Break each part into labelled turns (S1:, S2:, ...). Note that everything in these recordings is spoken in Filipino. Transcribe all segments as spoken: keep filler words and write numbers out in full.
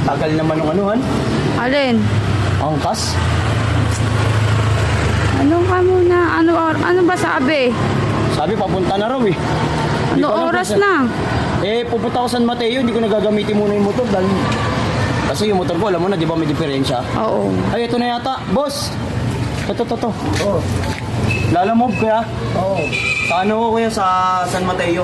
S1: Tagal naman ng anuhan.
S2: Alin?
S1: Angkas.
S2: Ano ka muna? Ano, or- ano ba sabi?
S1: Sabi, papunta na raw eh. Hindi
S2: Ano
S1: ko alam
S2: oras
S1: kung sa-
S2: na?
S1: Eh, pupunta ako San Mateo, hindi ko nagagamitin muna yung motor dahil... Kasi yung motor ko, alam mo na, di ba may diferensya?
S2: Oo.
S1: Ay, ito na yata. Boss! Ito, ito, ito. Oo. Lalamove kaya? Oo. Sa ano ko kuya? Sa San Mateo.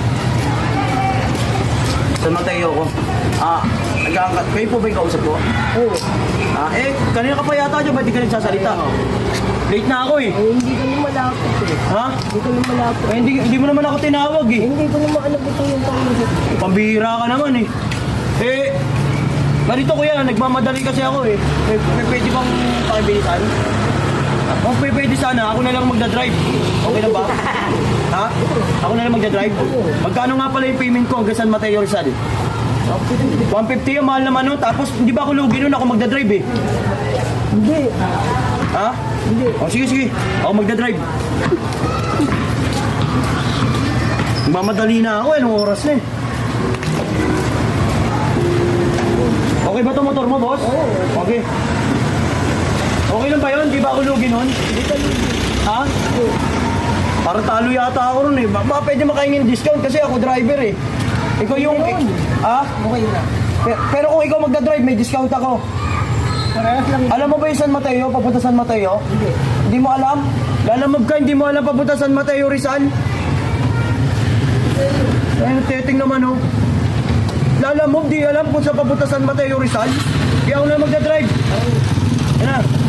S1: San Mateo ko. Ah, nag-aangkat. Kayo po ba yung kausap ko? Oo. Ah, eh, kanina ka pa yata dyan, ba't di ka nagsasalita? Late na ako eh.
S3: Eh, hindi ko naman malapit eh.
S1: Ha?
S3: Hindi ko naman malapit.
S1: Eh, hindi, hindi mo naman ako tinawag eh.
S3: Eh, hindi ko naman alam ito yung pangyayari.
S1: Pambihira ka naman eh. Eh, ganito kuya, nagmamadali kasi ako eh. May, may pwede bang pakibilisan? Kung may pwede sana, ako na lang magdadrive. Okay na ba? Ha? Ako na lang magdadrive? Magkano nga pala yung payment ko hanggang San Mateo Rizal? one fifty yung mahal naman nun. Tapos hindi ba ako lugi nun ako magdadrive eh?
S3: Hindi.
S1: Ha?
S3: Hindi.
S1: O sige, sige. Ako magdadrive. Mamadali na ako eh. Anong oras na eh? Okay ba itong motor mo, boss? Oo. Okay. Okay lang ba yun? Di ba ako lugi nun?
S3: Hindi ka lugi.
S1: Ha? Parang talo yata ako ron eh. Baka pwede makahingin discount kasi ako driver eh. Ikaw yung...
S3: Ayun.
S1: Ha?
S3: Okay na.
S1: Pero, pero kung ikaw magdadrive, may discount ako.
S3: Parehas lang.
S1: Alam mo ba yung San Mateo? Papunta San Mateo?
S3: Hindi.
S1: Hindi mo alam? Lalamog ka, hindi mo alam papunta San Mateo Rizal? Ayun, teting naman oh. Lalamog, di alam kung saan papunta San Mateo Rizal? Di ako na magdadrive. Yan na.